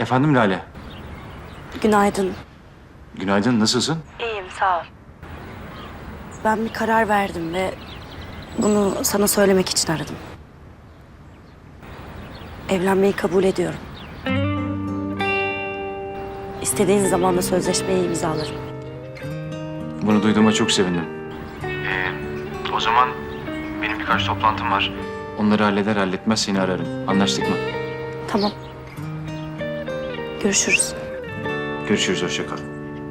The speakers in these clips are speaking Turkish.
Efendim Lale. Günaydın. Günaydın, nasılsın? İyiyim, sağ ol. Ben bir karar verdim ve bunu sana söylemek için aradım. Evlenmeyi kabul ediyorum. İstediğin zaman da sözleşmeyi imzalarım. Bunu duyduğuma çok sevindim. O zaman benim birkaç toplantım var. Onları halletmez seni ararım. Anlaştık mı? Tamam. Görüşürüz. Görüşürüz, hoşça kal.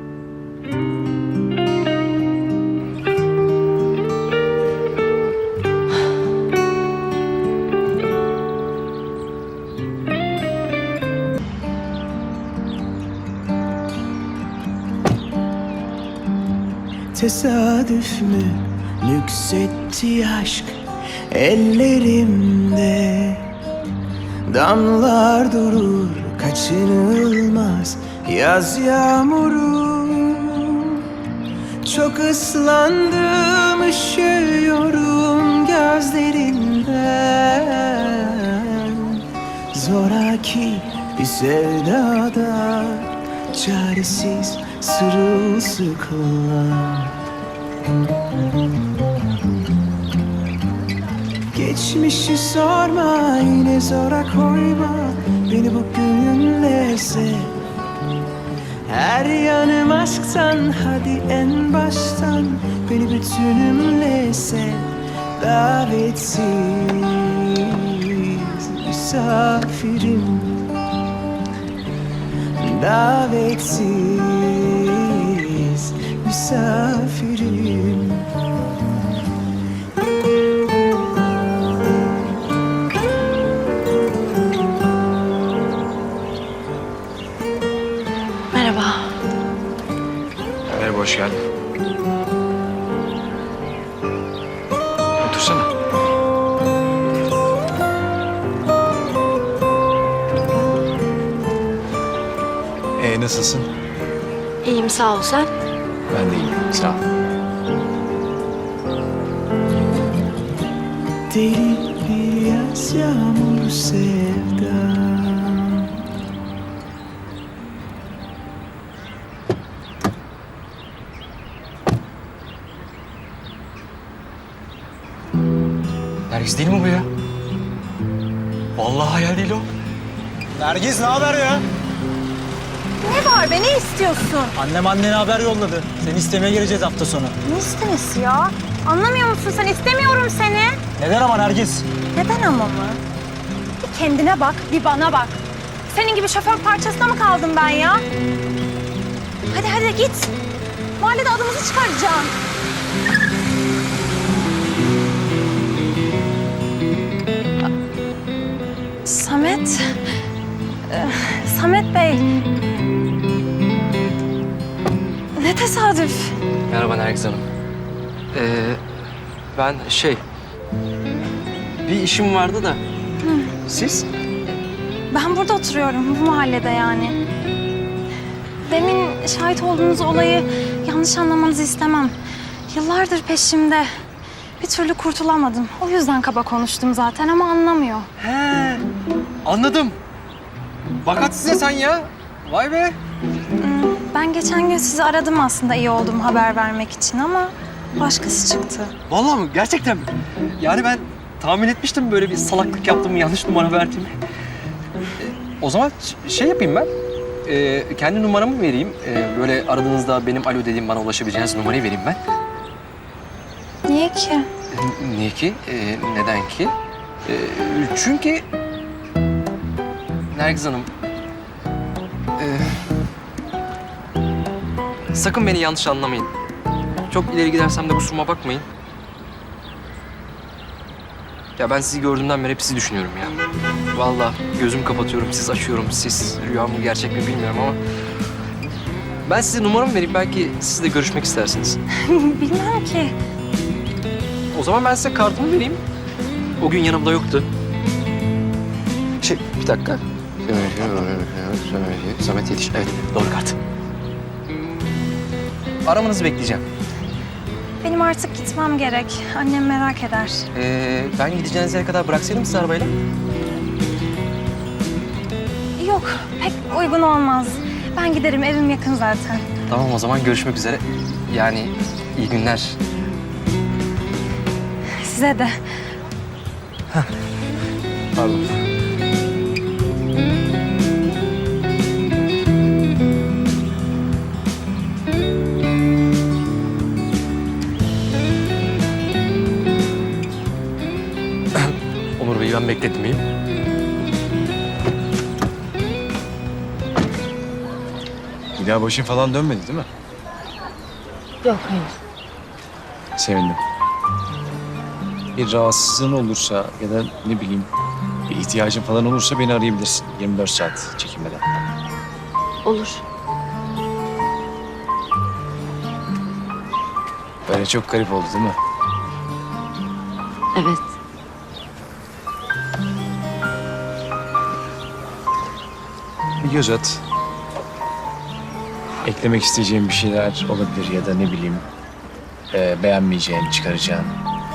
Tesadüf mü nüksetti aşk ellerimde? Damlar durur kaçınılmaz yaz yağmuru. Çok ıslandım, üşüyorum gözlerinden. Zoraki bir sevdada çaresiz sırılsıklam. Geçmişi sorma, yine zora koyma beni bugünle sev. Her yanım aşktan, hadi en baştan beni bütünümle sev. Davetsiz misafirim, davetsiz misafirim. Merhaba. Merhaba, hoş geldin. Otursana. Nasılsın? İyiyim, sağ ol. Sen? Ben de iyiyim, sağ ol. Deli bir yaz yağmuru sevda. Nergis değil mi bu ya? Vallahi hayal değil o. Nergis ne haber ya? Ne var be, ne istiyorsun? Annem annene haber yolladı. Seni istemeye geleceğiz hafta sonu. Ne istemesi ya? Anlamıyor musun sen? İstemiyorum seni. Neden ama Nergis? Neden ama mı? Bir kendine bak, bir bana bak. Senin gibi şoför parçasına mı kaldım ben ya? Hadi hadi git. Mahallede adımızı çıkaracağım. Samet. Samet Bey. Ne tesadüf. Merhaba Nergiz Hanım. Ben bir işim vardı da. Siz? Ben burada oturuyorum, bu mahallede yani. Demin şahit olduğunuz olayı yanlış anlamanızı istemem. Yıllardır peşimde. Bir türlü kurtulamadım. O yüzden kaba konuştum zaten ama anlamıyor. He, anladım. Bakat size sen ya. Vay be. Ben geçen gün sizi aradım aslında iyi olduğumu haber vermek için ama başkası çıktı. Vallahi mi? Gerçekten mi? Yani ben tahmin etmiştim böyle bir salaklık yaptığımı, yanlış numara verdiğimi. O zaman şey yapayım ben. Kendi numaramı vereyim. Böyle aradığınızda benim alo dediğim bana ulaşabileceğiniz numarayı vereyim ben. Niye ki? Niye ki? Neden ki? Çünkü Nergiz Hanım, sakın beni yanlış anlamayın. Çok ileri gidersem de kusuruma bakmayın. Ya ben sizi gördüğümden beri hep sizi düşünüyorum ya. Vallahi gözüm kapatıyorum, siz açıyorum. Siz rüya mı gerçek mi bilmiyorum ama ben size numaramı vereyim. Belki siz de görüşmek istersiniz. Bilmem ki. O zaman ben size kartımı vereyim. O gün yanımda yoktu. Bir dakika. Samet Yetiş. Evet, doğru kart. Aramanızı bekleyeceğim. Benim artık gitmem gerek. Annem merak eder. Ben gideceğiniz yere kadar bıraksaydım sizi arabayla. Yok, pek uygun olmaz. Ben giderim, evim yakın zaten. Tamam o zaman görüşmek üzere. Yani iyi günler. Size de. Pardon. Onur Bey'i ben bekletmeyeyim. Bir daha başın falan dönmedi değil mi? Yok hayır. Sevindim. Bir rahatsızlığın olursa ya da ne bileyim bir ihtiyacın falan olursa beni arayabilirsin. 24 saat çekinmeden. Olur. Böyle çok garip oldu değil mi? Evet. Bir göz at. Eklemek isteyeceğim bir şeyler olabilir ya da ne bileyim beğenmeyeceğin, çıkaracağın.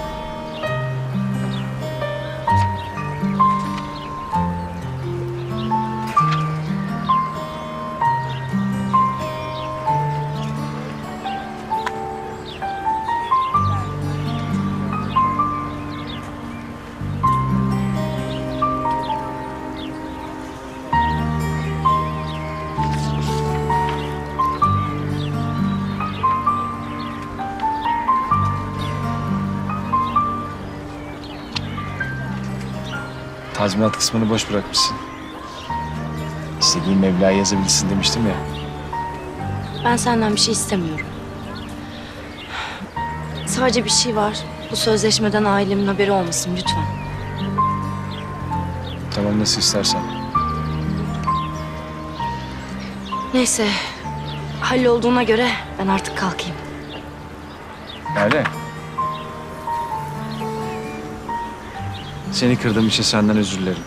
Tazminat kısmını boş bırakmışsın. İstediğin meblağı yazabilirsin demiştim ya. Ben senden bir şey istemiyorum. Sadece bir şey var. Bu sözleşmeden ailemin haberi olmasın lütfen. Tamam nasıl istersen. Neyse. Hallolduğuna göre ben artık kalkayım. Öyle. Seni kırdığım için senden özür dilerim.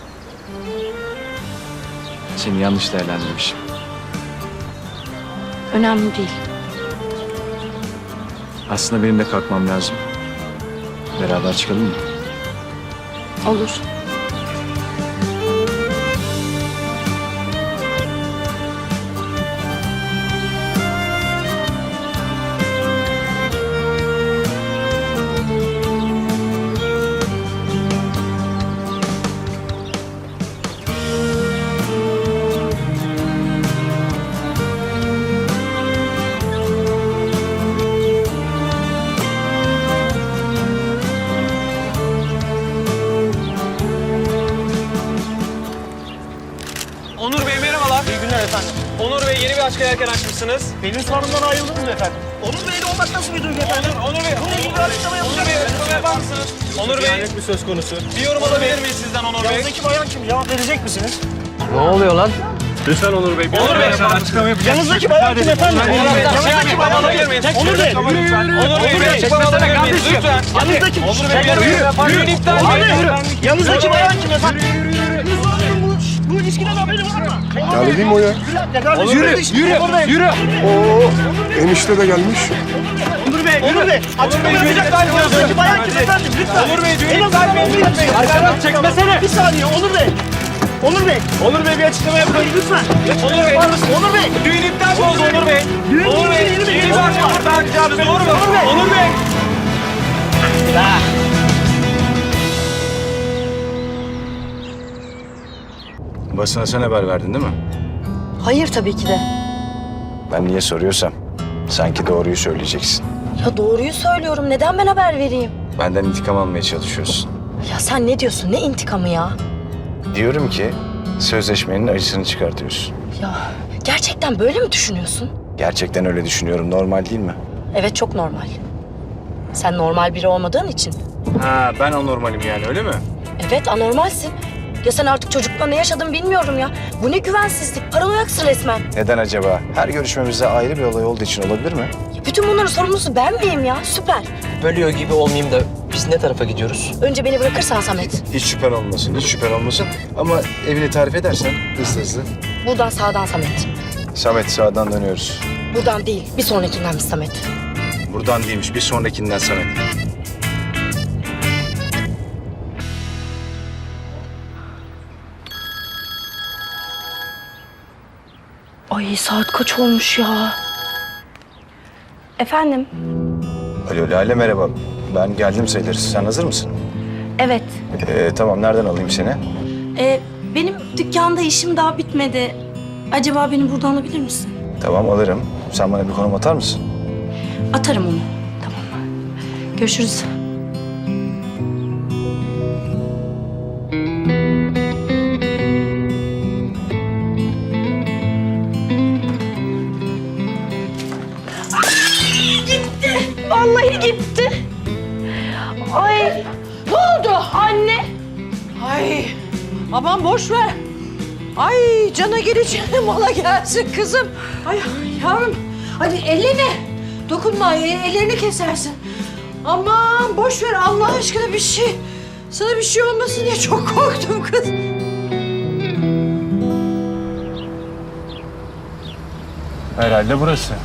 Seni yanlış değerlendirmişim. Önemli değil. Aslında benim de kalkmam lazım. Beraber çıkalım mı? Olur. Onur Bey merhabalar. İyi günler efendim. Onur Bey yeni bir aşk yelken açmışsınız. Benim sorumdan ayrıldınız mı efendim? Onur Bey'le olmak nasıl bir duygu efendim? Onur Bey. Bununla ilgili bir açıklama Onur Bey açıklama yapar mısınız? Onur Bey. bir söz konusu. Bir yorum alabilir miyiz sizden Onur Bey? Yanınızdaki bayan kim? Cevap verecek misiniz? Ne oluyor lan? Lütfen Onur Bey. Onur Bey. Açıklama yapacağız. Yanınızdaki bayan kim efendim? Yanınızdaki bayan alabilir miyiz? Onur Bey. Onur Bey bir açıklama alabilir miyiz? Lütfen. Yanınızdaki Onur Bey bir düğün iptal edin. Yanınızdaki bayan kim efendim? Bu ilişkiden haberi var mı? Geldi değil mi o ya? Yürü. Oo, enişte de gelmiş. Onur Bey. Açıklama yapacak. Yanınızdaki bayan kim efendim? Lütfen. Onur Bey düğün En iptal azından onu yapmayın. Arkadan çekmesene. Bir saniye Onur Bey. Onur Bey bir açıklama yapın lütfen. Onur Bey. Onur Bey. Düğün iptal mi oldu Onur Bey? Onur Bey. Yeni bir aşk burada açacağız. Doğru mu? Onur Bey. Basına sen haber verdin değil mi? Hayır tabii ki de. Ben niye soruyorsam sanki doğruyu söyleyeceksin. Ya doğruyu söylüyorum. Neden ben haber vereyim? Benden intikam almaya çalışıyorsun. Ya sen ne diyorsun? Ne intikamı ya? Diyorum ki sözleşmenin acısını çıkartıyorsun. Ya gerçekten böyle mi düşünüyorsun? Gerçekten öyle düşünüyorum. Normal değil mi? Evet çok normal. Sen normal biri olmadığın için. Ha ben anormalim yani öyle mi? Evet anormalsin. Ya sen artık çocukla ne yaşadın bilmiyorum ya. Bu ne güvensizlik. Paranoyaksın resmen. Neden acaba? Her görüşmemizde ayrı bir olay olduğu için olabilir mi? Ya bütün bunların sorumlusu ben miyim ya? Süper. Bölüyor gibi olmayayım da biz ne tarafa gidiyoruz? Önce beni bırakırsan Samet. Hiç şüphen olmasın, hiç şüphen olmasın. Ama evini tarif edersen hızlı. Buradan sağdan Samet. Samet sağdan dönüyoruz. Buradan değil. Bir sonrakindenmiş Samet. Buradan değilmiş, bir sonrakinden Samet. Ay saat kaç olmuş ya? Efendim? Alo Lale merhaba. Ben geldim sayılır. Sen hazır mısın? Evet. Tamam nereden alayım seni? Benim dükkanda işim daha bitmedi. Acaba beni buradan alabilir misin? Tamam alırım. Sen bana bir konum atar mısın? Atarım onu. Tamam. Görüşürüz. Gitti. Vallahi gitti. Ay. Ne oldu anne? Ay aman boş ver. Ay cana geleceğine mala gelsin kızım. Ay yavrum hadi ellerine dokunma ellerini kesersin. Aman boş ver Allah aşkına bir şey. Sana bir şey olmasın diye çok korktum kız. Herhalde burası.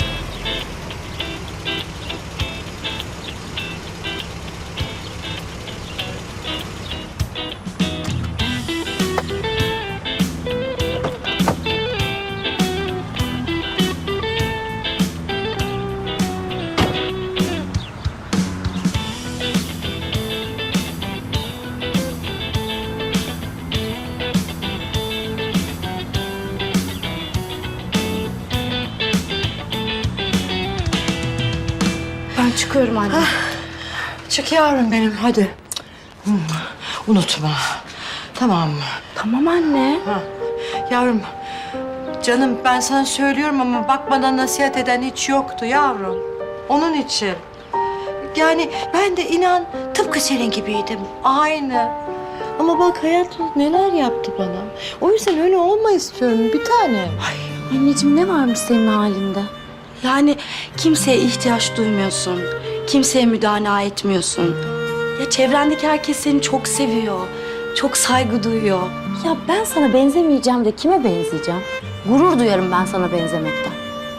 Ben çıkıyorum anne. Çık yavrum benim hadi. Unutma. Tamam mı? Tamam anne. Yavrum canım ben sana söylüyorum ama bak bana nasihat eden hiç yoktu yavrum. Onun için. Yani ben de inan tıpkı senin gibiydim. Aynı. Ama bak hayat neler yaptı bana. O yüzden öyle olma istiyorum bir tane. Anneciğim ne varmış senin halinde? Yani kimseye ihtiyaç duymuyorsun. Kimseye müdana etmiyorsun. Ya çevrendeki herkes seni çok seviyor. Çok saygı duyuyor. Ya ben sana benzemeyeceğim de kime benzeyeceğim? Gurur duyarım ben sana benzemekten.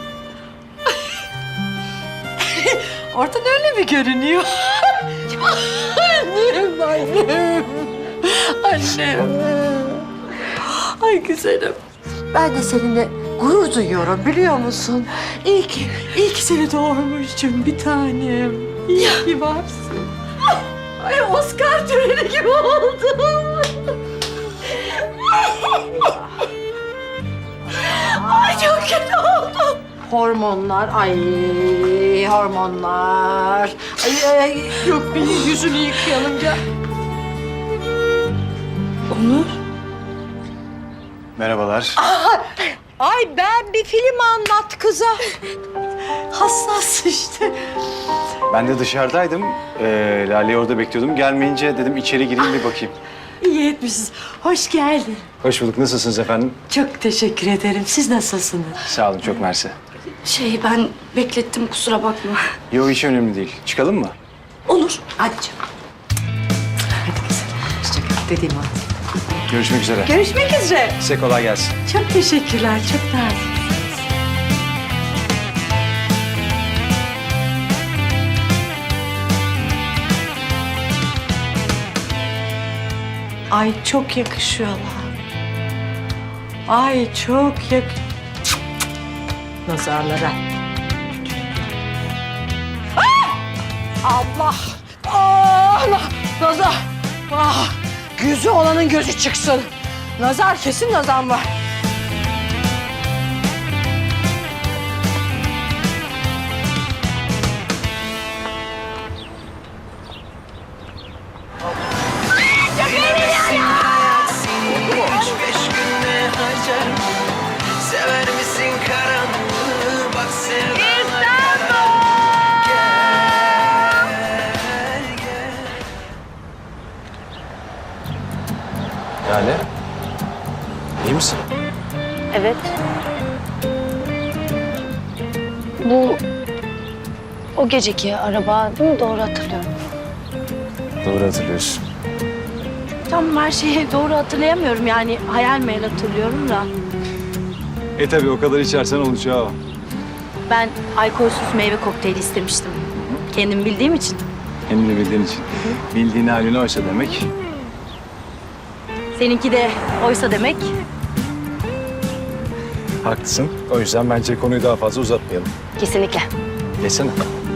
Oradan öyle mi görünüyor? Annem. Annem. Ay güzelim. Ben de seninle gurur duyuyorum biliyor musun? İyi ki seni doğurmuşum bir tanem. İyi ki varsın. Ay Oscar töreni gibi oldum. Ay çok kötü oldum. Hormonlar, hormonlar. Ay, yok bir yüzünü yıkayalım gel. Onur. Merhabalar. Ay ben bir film anlat kıza. Hassas işte. Ben de dışarıdaydım. Lale'yi orada bekliyordum. Gelmeyince dedim içeri gireyim bir bakayım. İyi etmişsiniz. Hoş geldin. Hoş bulduk. Nasılsınız efendim? Çok teşekkür ederim. Siz nasılsınız? Sağ olun. Çok mersi. Ben beklettim kusura bakma. Yok hiç önemli değil. Çıkalım mı? Olur. Hadi canım. Hadi kızım. Hoşçakal dediğim hadi. Görüşmek üzere. Görüşmek üzere. Size kolay gelsin. Çok teşekkürler. Çok nazik. Ay çok yakışıyorlar. Ay çok nazarlara. Allah! Allah! Nazar! Ah! Gözü olanın gözü çıksın. Nazar kesin nazar var. Sever misin karanlığı? Bak sevdan. Lale. İyi misin? Evet. Bu o geceki araba değil mi? Doğru hatırlıyorum. Doğru hatırlıyorsun. Tam her şeyi doğru hatırlayamıyorum yani hayal meyal hatırlıyorum da. Tabii o kadar içersen olacağı o. Ben alkolsüz meyve kokteyli istemiştim. Kendim bildiğim için. Kendini bildiğin için. Bildiğin halini oysa demek. Seninki de oysa demek. Haklısın. O yüzden bence konuyu daha fazla uzatmayalım. Kesinlikle. Geçsene.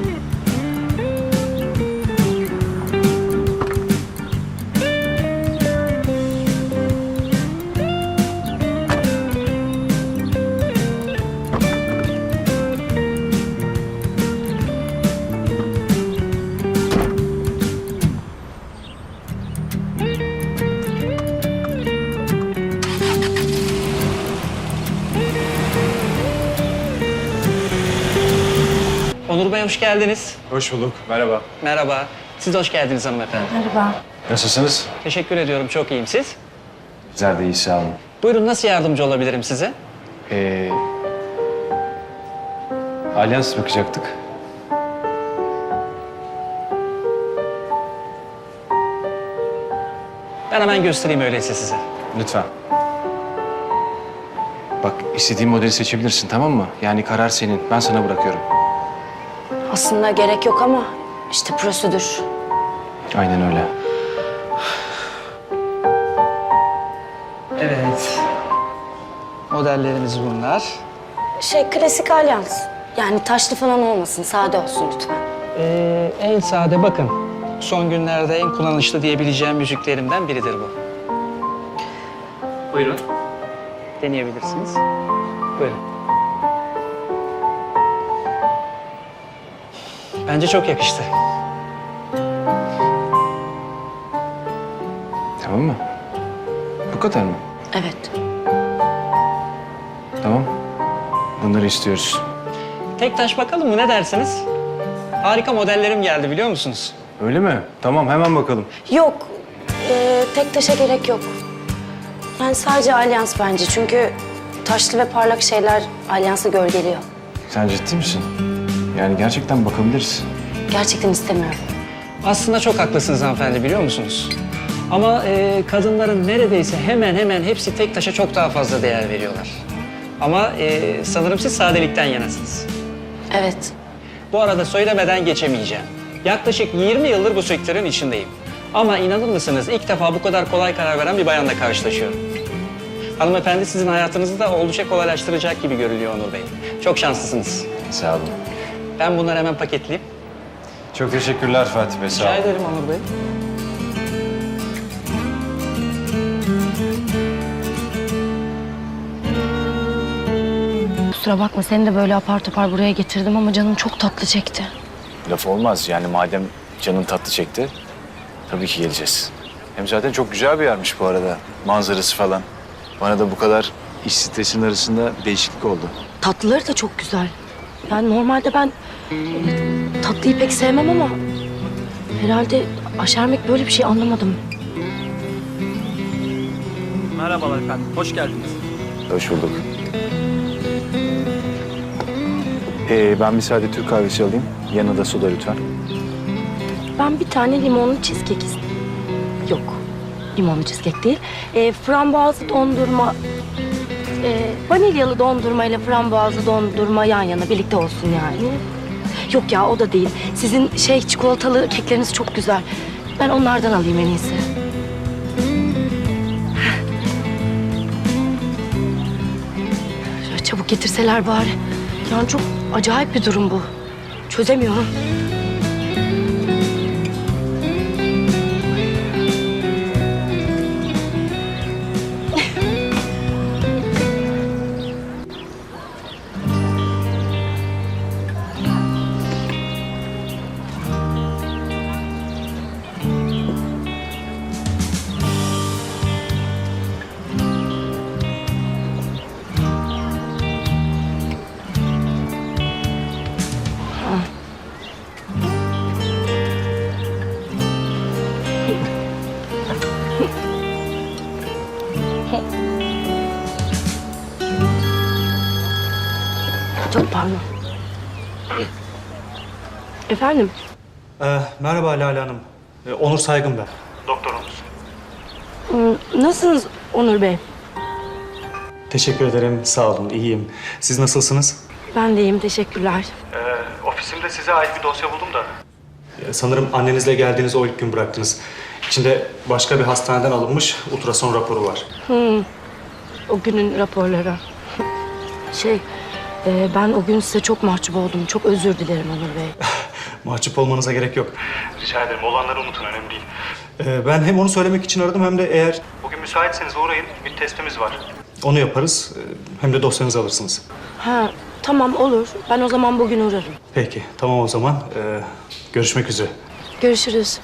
Onur Bey hoş geldiniz. Hoş bulduk. Merhaba. Merhaba. Siz de hoş geldiniz hanımefendi. Nasılsınız? Teşekkür ediyorum. Çok iyiyim. Siz? Güzel de iyi, sağ olun. Buyurun nasıl yardımcı olabilirim size? Alyans bakacaktık. Ben hemen göstereyim öyleyse size. Lütfen. Bak istediğin modeli seçebilirsin, tamam mı? Yani karar senin. Ben sana bırakıyorum. Aslında gerek yok ama işte prosedür. Aynen öyle. Evet. Modellerimiz bunlar. Klasik alyans. Yani taşlı falan olmasın, sade olsun lütfen. En sade bakın. Son günlerde en kullanışlı diyebileceğim müziklerimden biridir bu. Buyurun. Deneyebilirsiniz. Buyurun. Bence çok yakıştı. Tamam mı? Bu kadar mı? Evet. Tamam. Bunları istiyoruz. Tek taş bakalım mı ne dersiniz? Harika modellerim geldi biliyor musunuz? Öyle mi? Tamam, hemen bakalım. Yok, tek taşa gerek yok. Yani sadece alyans bence çünkü taşlı ve parlak şeyler alyansı gölgeliyor. Sen ciddi misin? Yani gerçekten bakabiliriz. Gerçekten istemiyorum. Aslında çok haklısınız hanımefendi biliyor musunuz? Ama kadınların neredeyse hemen hemen hepsi tek taşa çok daha fazla değer veriyorlar. Ama sanırım siz sadelikten yanasınız. Evet. Bu arada söylemeden geçemeyeceğim. Yaklaşık 20 yıldır bu sektörün içindeyim. Ama inanır mısınız ilk defa bu kadar kolay karar veren bir bayanla karşılaşıyorum. Hanımefendi sizin hayatınızı da oldukça kolaylaştıracak gibi görülüyor Onur Bey. Çok şanslısınız. Sağ olun. Ben bunları hemen paketleyeyim. Çok teşekkürler Fatih Bey, sağ Rica olun. ederim Onur Bey. Kusura bakma seni de böyle apar topar buraya getirdim ama canım çok tatlı çekti. Laf olmaz yani madem canın tatlı çekti, tabii ki geleceğiz. Hem zaten çok güzel bir yermiş bu arada, manzarası falan. Bana da bu kadar iş stresinin arasında değişiklik oldu. Tatlıları da çok güzel. Yani normalde ben tatlıyı pek sevmem ama herhalde aşermek böyle bir şey anlamadım. Merhabalar efendim, hoş geldiniz. Hoş bulduk. Ben bir sade Türk kahvesi alayım, yanına da soda lütfen. Ben bir tane limonlu cheesecake istedim. Yok, limonlu cheesecake değil. Frambuazlı dondurma, vanilyalı dondurma ile frambuazlı dondurma yan yana birlikte olsun yani. Yok ya o da değil. Sizin çikolatalı kekleriniz çok güzel. Ben onlardan alayım en iyisi. Şöyle çabuk getirseler bari. Yani çok acayip bir durum bu. Çözemiyorum. Çok pardon. Efendim? Merhaba Lale Hanım. Onur Saygın ben. Doktor Onur. Nasılsınız Onur Bey? Teşekkür ederim. Sağ olun. İyiyim. Siz nasılsınız? Ben de iyiyim, teşekkürler. Ofisimde size ait bir dosya buldum da. Sanırım annenizle geldiğiniz o ilk gün bıraktınız. İçinde başka bir hastaneden alınmış ultrason raporu var. O günün raporları. Ben o gün size çok mahcup oldum. Çok özür dilerim Onur Bey. Mahcup olmanıza gerek yok. Rica ederim. Olanları unutun. Önemli değil. Ben hem onu söylemek için aradım hem de eğer... Bugün müsaitseniz uğrayın. Bir testimiz var. Onu yaparız. Hem de dosyanızı alırsınız. Ha, tamam olur. Ben o zaman bugün uğrarım. Peki. Tamam o zaman. Görüşmek üzere. Görüşürüz.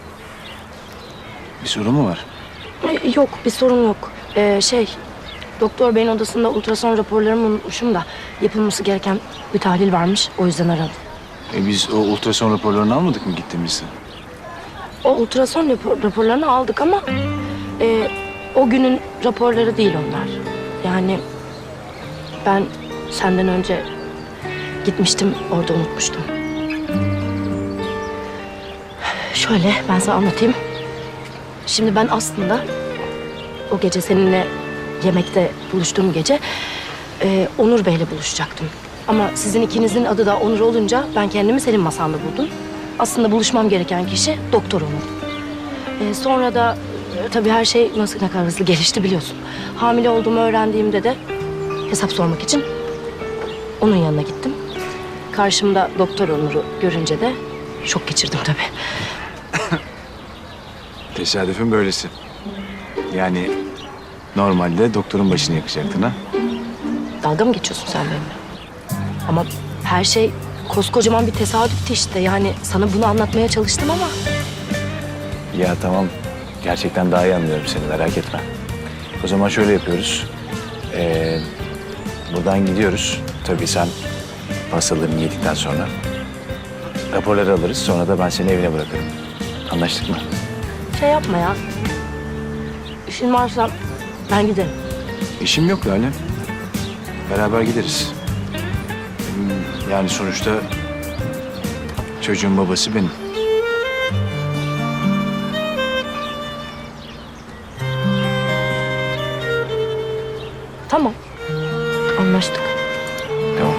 Bir sorun mu var? Yok, bir sorun yok. Doktor beyin odasında ultrason raporlarımı unutmuşum da yapılması gereken bir tahlil varmış. O yüzden aradım. Biz o ultrason raporlarını almadık mı gittiğimizde? O ultrason raporlarını aldık ama o günün raporları değil onlar. Yani ben senden önce gitmiştim, orada unutmuştum. Şöyle ben sana anlatayım. Şimdi ben aslında o gece seninle yemekte buluştuğum gece Onur Bey'le buluşacaktım. Ama sizin ikinizin adı da Onur olunca ben kendimi senin masanda buldum. Aslında buluşmam gereken kişi Doktor Onur. Sonra da tabii her şey nasıl ne kadar hızlı gelişti biliyorsun. Hamile olduğumu öğrendiğimde de hesap sormak için onun yanına gittim. Karşımda Doktor Onur'u görünce de şok geçirdim tabii. Tesadüfün böylesi. Yani normalde doktorun başını yakacaktın ha? Dalga mı geçiyorsun sen benimle? Ama her şey koskocaman bir tesadüftü işte. Yani sana bunu anlatmaya çalıştım ama... Ya tamam. Gerçekten daha iyi anlıyorum seni. Merak etme. O zaman şöyle yapıyoruz. Buradan gidiyoruz. Tabii sen pastalarını yedikten sonra raporları alırız. Sonra da ben seni evine bırakırım. Anlaştık mı? Şey yapma ya. İşin varsa ben giderim. İşim yok Lale. Beraber gideriz. Yani sonuçta çocuğun babası benim. Tamam. Anlaştık. Tamam.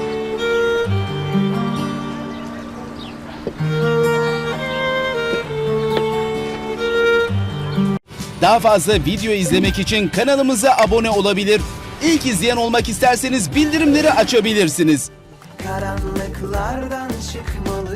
Daha fazla video izlemek için kanalımıza abone olabilir. İlk izleyen olmak isterseniz bildirimleri açabilirsiniz. Karanlıklardan çıkmalı